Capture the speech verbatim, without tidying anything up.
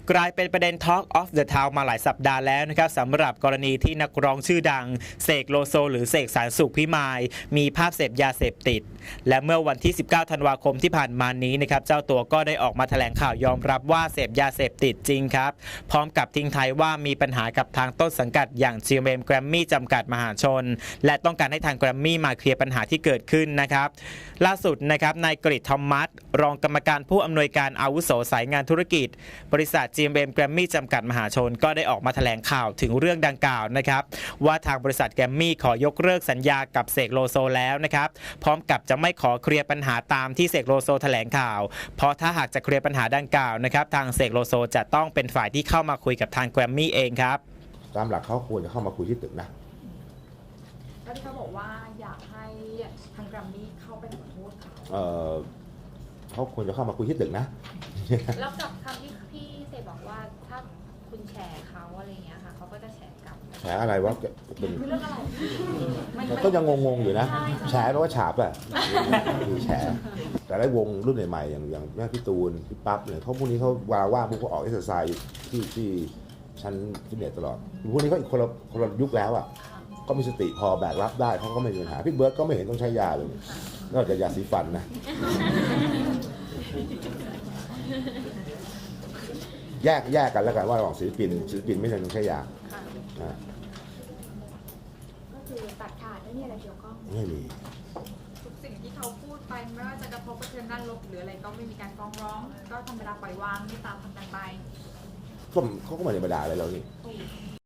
กลายเป็นประเด็น Talk of the Town มาหลายสัปดาห์แล้วนะครับสำหรับกรณีที่นักร้องชื่อดังเสกโลโซหรือเสกสรรสุขพิมายมีภาพเสพยาเสพติดและเมื่อวันที่สิบเก้าธันวาคมที่ผ่านมานี้นะครับเจ้าตัวก็ได้ออกมาแถลงข่าวยอมรับว่าเสพยาเสพติดจริงครับพร้อมกับทิ้งท้ายว่ามีปัญหากับทางต้นสังกัดอย่าง จี เอ็ม เอ็ม Grammy จำกัดมหาชนและต้องการให้ทาง Grammy มาเคลียร์ปัญหาที่เกิดขึ้นนะครับล่าสุดนะครับนายกฤษ ทอมมัสรองกรรมการผู้อำนวยการอาวุโสสายงานธุรกิจบริษัท จี เอ็ม เอ็ม Grammy จำกัดมหาชนก็ได้ออกมาแถลงข่าวถึงเรื่องดังกล่าวนะครับว่าทางบริษัท Grammy ขอยกเลิกสัญญากับเสกโลโซแล้วนะครับพร้อมกับจะไม่ขอเคลียร์ปัญหาตามที่เสกโลโซแถลงข่าวเพราะถ้าหากจะเคลียร์ปัญหาดังกล่าวนะครับทางเสกโลโซจะต้องเป็นฝ่ายที่เข้ามาคุยกับทาง Grammy เองครับตามหลักเขาควรจะเข้ามาคุยที่ตึกนะแล้วที่เขาบอกว่าอยากให้ทางแกรมมี่เข้าไปขอโทษเขาเออเขาควรจะเข้ามาคุยที่ตึกนะแล้วกับคำที่พี่เสกบอกว่าถ้าคุณแชร์เขาอะไรเงี้ยค่ะเขาก็จะแชร์กลับแฉอะไรวะเป็นเรื่องอะไรก็ยังงงๆอยู่นะแฉแปลว่าฉาบอ่ะคือแฉแต่ได้วงรุ่นใหม่ๆอย่างอย่างแม่พี่ตูนพี่ปั๊บเนี่ยเขาพวกนี้เขาวาว่างพวกเขาออกเอ็กซ์ไซส์ที่ที่ชั้นฟิตเนสตลอดพวกนี้ก็อีกคนละคนละยุคแล้วอ่ะก็มีสติพอแบกรับได้เขาก็ไม่มีปัญหาพี่เบิร์ดก็ไม่เห็นต้องใช้ยาเลยนอกจากยาสีฟันนะแยกแยกกันแล้วกันว่าระหว่างศิลปินศิลปินไม่จำเป็นต้องใช้ยาก็คือตัดขาดไม่มีอะไรเกี่ยวข้องไม่มีทุกสิ่งที่เขาพูดไปไม่ว่าจะกระทบกระเทือนด้านลบหรืออะไรก็ไม่มีการฟ้องร้องก็ธรรมดาปล่อยวางไม่ตามทำกันไปก็เขาก็ไม่ได้มาด่าอะไรเรานี่